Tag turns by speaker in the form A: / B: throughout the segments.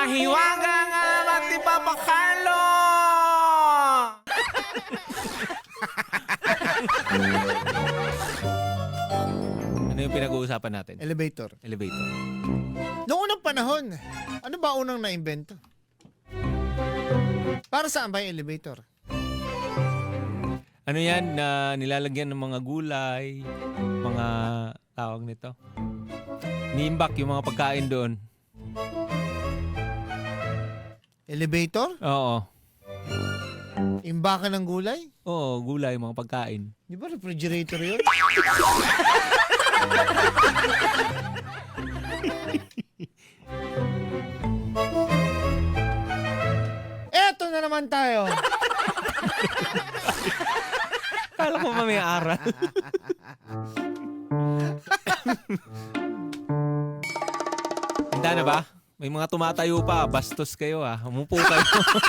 A: Mahiwaga nga at ipapakalo! Ano yung pinag-uusapan natin?
B: Elevator.
A: Elevator.
B: Noong unang panahon, ano ba unang na-invento? Para saan ba yung elevator?
A: Ano yan na nilalagyan ng mga gulay, mga tawag nito? Niimbak yung mga pagkain doon.
B: Elevator?
A: Oo.
B: Imbakan ng gulay?
A: Oo, gulay, mga pagkain.
B: Di ba refrigerator yun? Eto na naman tayo.
A: Kala ko may aral. Handa na ba? May mga tumatayo pa. Bastos kayo ah. Umupo kayo.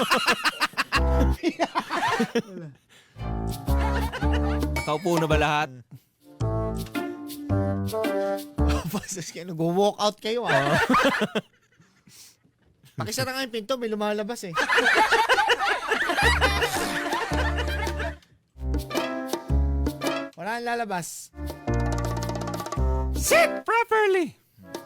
A: Nakaupo na ba lahat?
B: Pasas kayo, nag-walk out kayo ah. Pakisara nga yung pinto, may lumalabas eh. Wala nang lalabas.
A: Sit properly!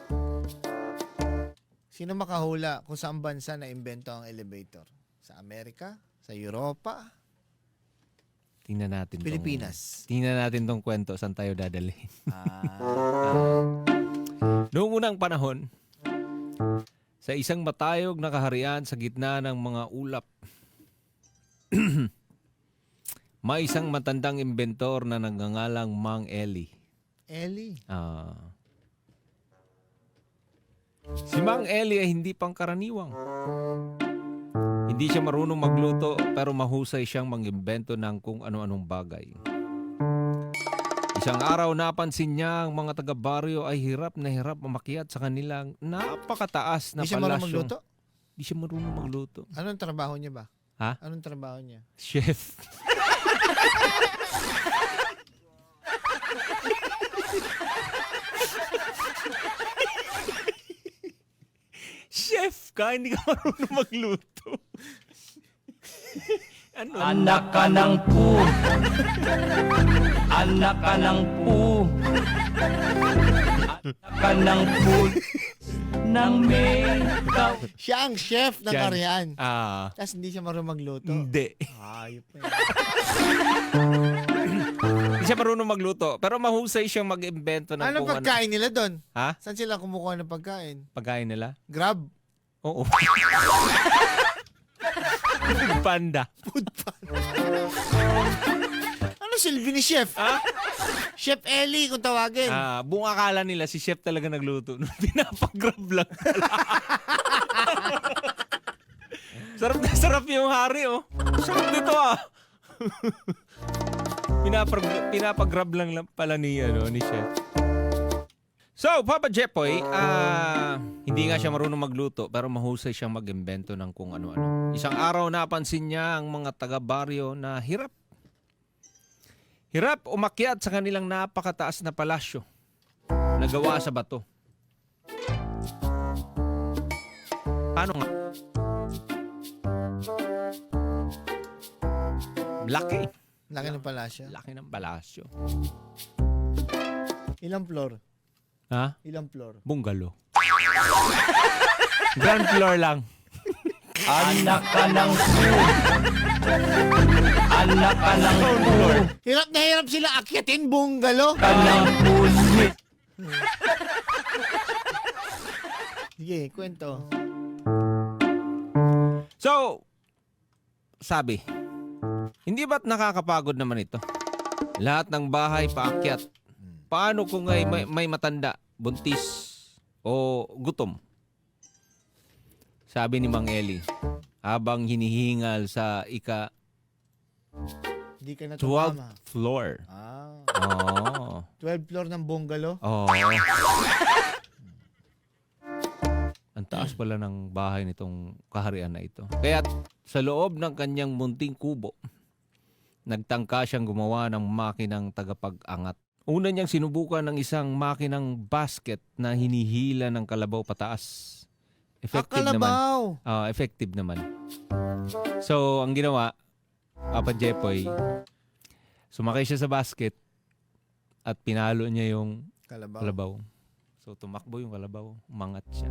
B: Sino makahula kung saan bansa na-invento ang elevator? Sa Amerika? Sa Europa?
A: Tingnan natin.
B: Pilipinas?
A: Tingnan natin tong kwento. Saan tayo dadalhin?
B: Ah.
A: Noong unang panahon, sa isang matayog na kaharian sa gitna ng mga ulap, may isang matandang inventor na nagngangalang Mang Eli.
B: Ellie?
A: Si Mang Eli ay hindi pangkaraniwang. Hindi siya marunong magluto pero mahusay siyang mag-imbento ng kung ano-anong bagay. Isang araw napansin niya ang mga taga-baryo ay hirap na hirap umakyat sa kanilang napakataas na
B: Hindi siya marunong
A: palasyo.
B: magluto?
A: Hindi siya marunong magluto.
B: Anong trabaho niya ba?
A: Ha?
B: Anong trabaho niya?
A: Chef. Chef ka, hindi ka marunong magluto. Ano?
C: Anak ka ng pu. Anak ka ng pu. Anak ka ng pu. Nang may ikaw.
B: Siya ang chef ng
A: Yan.
B: karyan.
A: Ah,
B: Tapos hindi siya marunong magluto.
A: hindi.
B: Ayop na
A: Hindi siya marunong magluto. Pero mahusay siyang mag-imbento ng
B: Anong
A: kung
B: pagkain nila doon?
A: Ha?
B: Saan sila kumukuha ng pagkain?
A: Pagkain nila?
B: Grab?
A: Oo. Panda.
B: Food pan. Ano silbi ni chef?
A: Ha?
B: Chef Ellie kung tawagin.
A: Buong akala nila si chef talaga nagluto. Pinapag-grab lang. Sarap na sarap yung hari, oh. Sarap nito, ah. Pinapag-grab lang pala ni chef. So, Papa Jepoy, hindi nga siya marunong magluto pero mahusay siyang mag-imbento ng kung ano-ano. Isang araw napansin niya ang mga taga-baryo na hirap umakyat sa kanilang napakataas na palasyo na gawa sa bato. Paano nga? Laki.
B: Laki ng palasyo.
A: Laki ng palasyo.
B: Ilang floor?
A: Ha?
B: Ilang floor?
A: Bungalow. Ground floor lang.
C: Anak ka ng pu. Anak ka ng pu.
B: Hirap na hirap sila akyatin bungalo.
C: Ka ng punit.
B: Sige, kwento.
A: So, sabi, hindi ba't nakakapagod naman ito? Lahat ng bahay paakyat. Paano kung may matanda, buntis, o gutom? Sabi ni Mang Eli, habang hinihingal sa
B: Hindi ka na
A: 12th
B: tumama.
A: floor. Oh.
B: 12 floor ng bungalo.
A: Oh. Ang taas pala ng bahay nitong kaharian na ito. Kaya sa loob ng kanyang munting kubo, nagtangka siyang gumawa ng makinang tagapag-angat. Una niyang sinubukan ng isang makinang basket na hinihila ng kalabaw pataas. Effective naman.
B: Kalabaw.
A: Effective naman. So, ang ginawa, Papa Jepoy, sumakay siya sa basket at pinalo niya yung
B: Kalabaw.
A: kalabaw. So, tumakbo yung kalabaw. Umangat siya.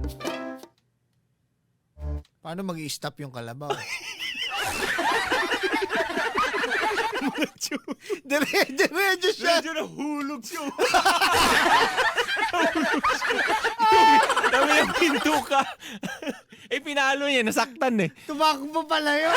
B: Paano mag-i-stop yung kalabaw? Diretso siya.
A: nahulog siya. Dami yung pinto ka. Pinalo niya. Nasaktan eh.
B: Tumakbo pala yun.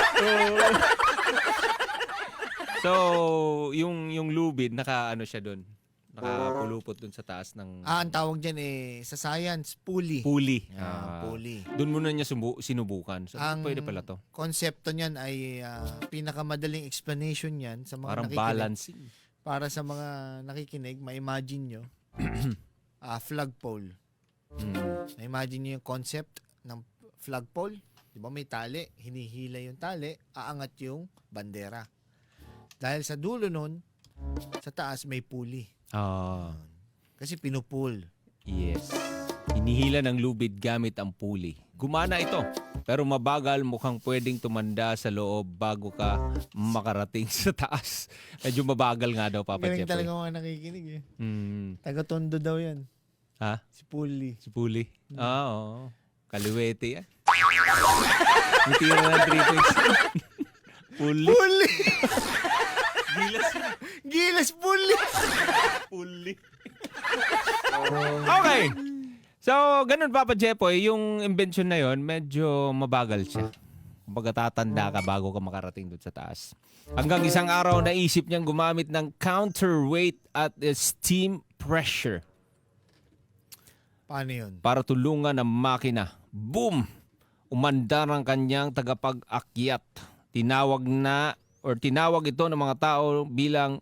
A: So, yung lubid, naka-ano siya doon. Nakapulupot doon sa taas ng
B: Ang tawag dyan sa science, pulley.
A: pulley.
B: Pulley.
A: Doon muna niya sinubukan. So,
B: Ang
A: pwede pala to.
B: konsepto niyan ay pinakamadaling explanation niyan sa mga
A: Parang
B: nakikinig.
A: balancing.
B: Para sa mga nakikinig, ma-imagine nyo, flagpole. Na-imagine nyo yung concept ng flagpole. Di ba may tali, hinihila yung tali, aangat yung bandera. Dahil sa dulo nun, sa taas may pulley. Kasi pinupull.
A: Yes. Hinihila ng lubid gamit ang pulley. Gumana ito. Pero mabagal, mukhang pwedeng tumanda sa loob bago ka makarating sa taas. Medyo mabagal nga daw, Papa
B: Galing
A: Jepoy.
B: talaga mga nakikinig eh. Taga-tondo daw yan.
A: Ha?
B: Si pulley.
A: Si pulley? Oo. Kaliwete yan. Yung tira ng 3 points. Pulley.
B: Pulley!
A: Gilas yun.
B: Gilas pulley!
A: Pulley. Okay. So, ganun Papa Jepoy, yung invention na yon medyo mabagal siya. Kumbaga tatanda ka bago ka makarating doon sa taas. Hanggang isang araw naisip niyang gumamit ng counterweight at steam pressure
B: Paano yun?
A: para tulungan ang makina. Boom! Umandar ang kanyang tagapag-akyat. Tinawag ito ng mga tao bilang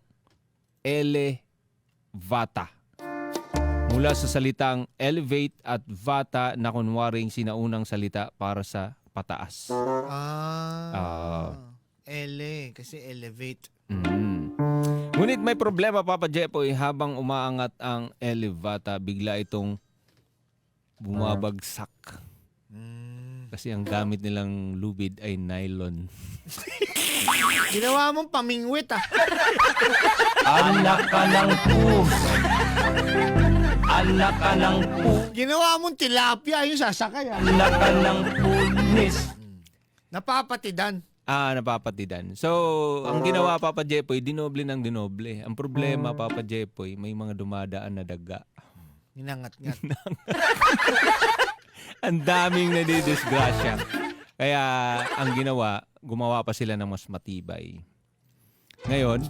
A: elevata. Mula sa salitang elevate at vata na kunwaring sinaunang salita para sa pataas.
B: Kasi elevate.
A: Ngunit may problema, Papa Jepoy, habang umaangat ang elevata, bigla itong bumabagsak. Kasi ang gamit nilang lubid ay nylon.
B: Ginawa mong pamingwit
C: Anak ka ng Anak ka ng
B: Ginawa mong tilapia yung sasakay
C: Anak ka ng pulis.
B: Napapatidan.
A: Napapatidan. So, ang ginawa, Papa Jepoy, dinoble ng dinoble. Ang problema, Papa Jepoy, may mga dumadaan na daga.
B: Ninangat-ngat.
A: Ang daming nadidisgrasya. Kaya, ang ginawa, gumawa pa sila ng mas matibay. Ngayon,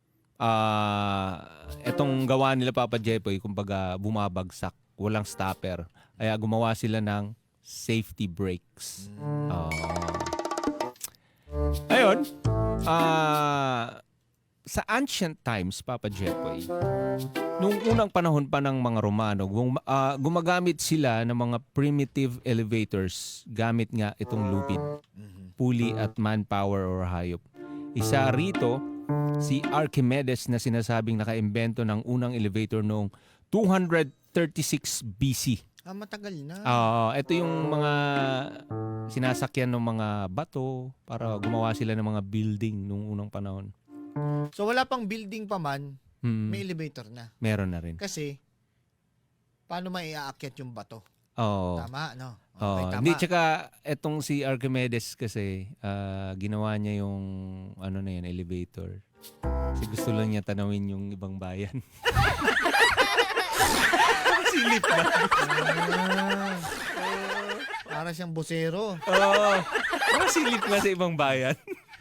A: etong gawa nila, Papa Jepoy, kumbaga bumabagsak, walang stopper. Kaya gumawa sila ng safety brakes. Ayun, sa ancient times, Papa Jepoy, nung unang panahon pa ng mga Romano, gumagamit sila ng mga primitive elevators gamit nga itong lupid, pulley at manpower or hayop. Isa rito, si Archimedes na sinasabing nakaimbento ng unang elevator noong 236 BC.
B: Matagal na.
A: Ito yung mga sinasakyan ng mga bato para gumawa sila ng mga building nung unang panahon.
B: So wala pang building pa man, may elevator na.
A: Meron na rin.
B: Kasi, paano maiaakyat yung bato?
A: Oo.
B: Tama, no? Okay, tama.
A: Hindi, tsaka etong si Archimedes kasi, ginawa niya yung elevator. Kasi gusto lang niya tanawin yung ibang bayan. Silip ba?
B: Para siyang busero.
A: Parang silip nga sa ibang bayan.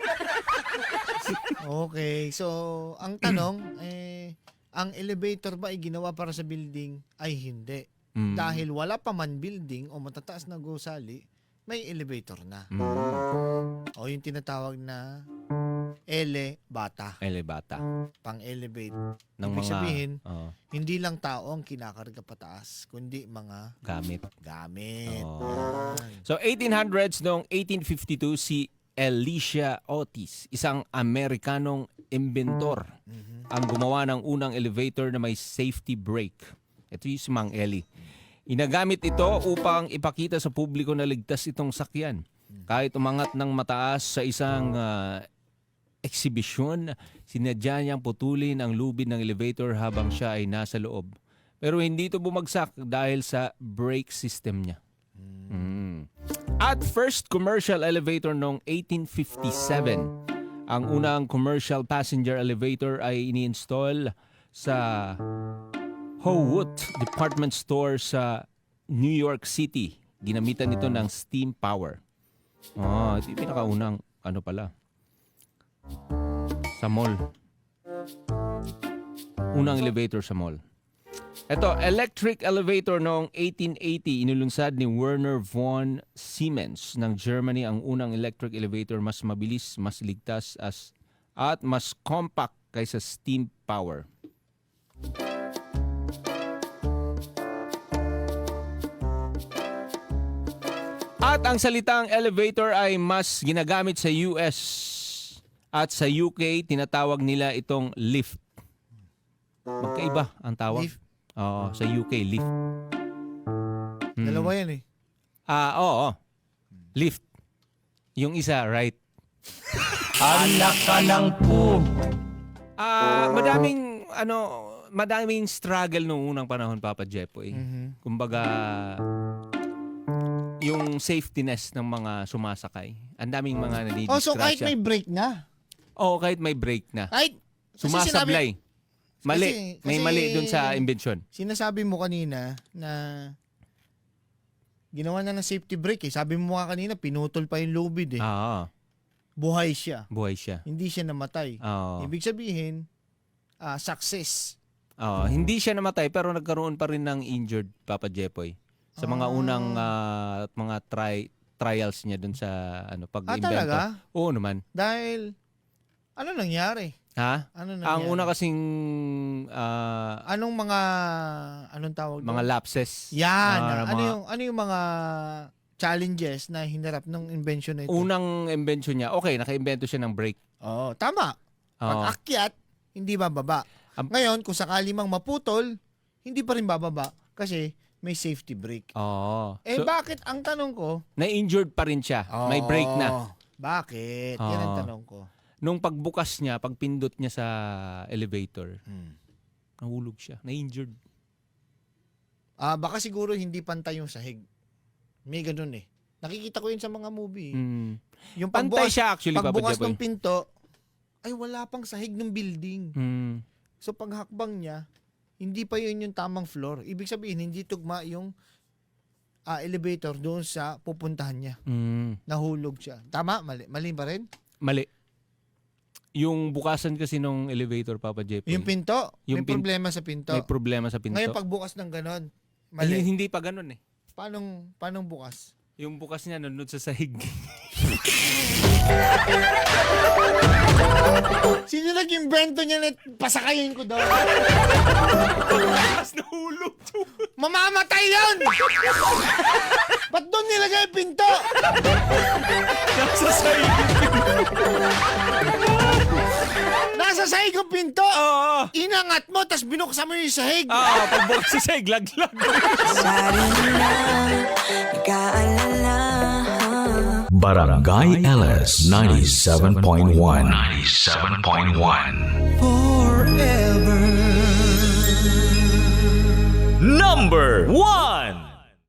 B: Okay, so ang tanong, ang elevator ba ay ginawa para sa building? Ay hindi. Dahil wala pa man building o matataas na gusali, may elevator na. O yung tinatawag na elevata.
A: Elevata.
B: Pang-elevate.
A: Ng
B: Ibig
A: mga
B: sabihin, hindi lang tao ang kinakarga pataas, kundi mga
A: gamit.
B: gamit.
A: Oh.
B: Yan.
A: So 1800s noong 1852 si Elisha Otis, isang Amerikanong inventor, ang gumawa ng unang elevator na may safety brake. Ito yung si Mang Eli. Inagamit ito upang ipakita sa publiko na ligtas itong sakyan. Kahit umangat ng mataas sa isang eksibisyon, sinadya niyang putulin ang lubid ng elevator habang siya ay nasa loob. Pero hindi ito bumagsak dahil sa brake system niya. At first commercial elevator noong 1857, ang unang commercial passenger elevator ay ini-install sa Howut Department Store sa New York City. Ginamitan ito ng steam power. Ito yung pinakaunang pala. Sa mall. Unang elevator sa mall. Ito, electric elevator noong 1880, inulunsad ni Werner von Siemens ng Germany ang unang electric elevator, mas mabilis, mas ligtas at mas compact kaysa steam power. At ang salitang elevator ay mas ginagamit sa US at sa UK, tinatawag nila itong lift. Magkaiba ang tawag.
B: Lift?
A: Oo, sa UK, lift.
B: Dalawa yan eh.
A: Oo. Lift. Yung isa, right.
C: Anak ka ng po.
A: Madaming struggle noong unang panahon, Papa Jepoy. Kumbaga, yung safetyness ng mga sumasakay. Ang daming mga nadidisgrasya.
B: So kahit may break na.
A: Oo, kahit may break na.
B: Kahit, kasi
A: Sumasablay. Mali.
B: kasi-
A: May mali dun sa invention.
B: Sinasabi mo kanina na ginawa na ng safety brake eh. Sabi mo nga kanina, pinutol pa yung lubid eh.
A: Oo.
B: Buhay siya.
A: Buhay siya.
B: Hindi siya namatay.
A: Oo.
B: Ibig sabihin, success.
A: Oo. Hindi siya namatay pero nagkaroon pa rin ng injured, Papa Jepoy. Sa mga unang mga trials niya dun sa pag-invento.
B: Talaga?
A: Oo naman.
B: Dahil, ano nangyari?
A: Ha?
B: Ano nangyari?
A: Ang una kasing
B: Anong tawag doon?
A: mga lapses.
B: Yan.
A: Mga-
B: Ano yung mga challenges na hinarap ng invention na ito?
A: Unang invention niya, okay, naka-invento siya ng brake.
B: Oo, tama.
A: Oo.
B: Pag akyat, hindi bababa. Ngayon, kung sakali mang maputol, hindi pa rin bababa kasi may safety brake.
A: Oo.
B: Eh
A: So,
B: bakit? Ang tanong ko,
A: na-injured pa rin siya. May brake na.
B: Bakit? Yan ang
A: Oo.
B: tanong ko.
A: Nung pagbukas niya, pagpindot niya sa elevator, nahulog siya. Na-injured.
B: Baka siguro hindi pantay yung sahig. May ganun eh. Nakikita ko yun sa mga movie. Yung
A: Pantay siya actually, Papa
B: pagbukas
A: Jepoy.
B: ng pinto, ay wala pang sahig ng building. So paghakbang niya, hindi pa yun yung tamang floor. Ibig sabihin, hindi tugma yung elevator doon sa pupuntahan niya. Nahulog siya. Tama? Mali? Mali ba rin?
A: Mali. Yung bukasan kasi nung elevator, Papa Jepoy.
B: Yung pinto?
A: Yung
B: may problema sa pinto.
A: May problema sa pinto.
B: Ngayon pagbukas ng ganon,
A: Ay,
B: mali.
A: hindi pa ganun eh.
B: Paano bukas?
A: Yung bukas niya nanonood sa sahig.
B: Sino nag-invento niya na pasakayin ko daw?
A: Tapos nahulog.
B: Mamamatay yun! Ba't doon nilagay yung pinto?
A: Nasa sahig.
B: Nasa sahig yung pinto!
A: Oo.
B: Inangat mo, tas binuksan mo yung sahig.
A: Pagbukas sa sahig, laglag.
D: Barangay LS 97.1 97.1 Forever Number 1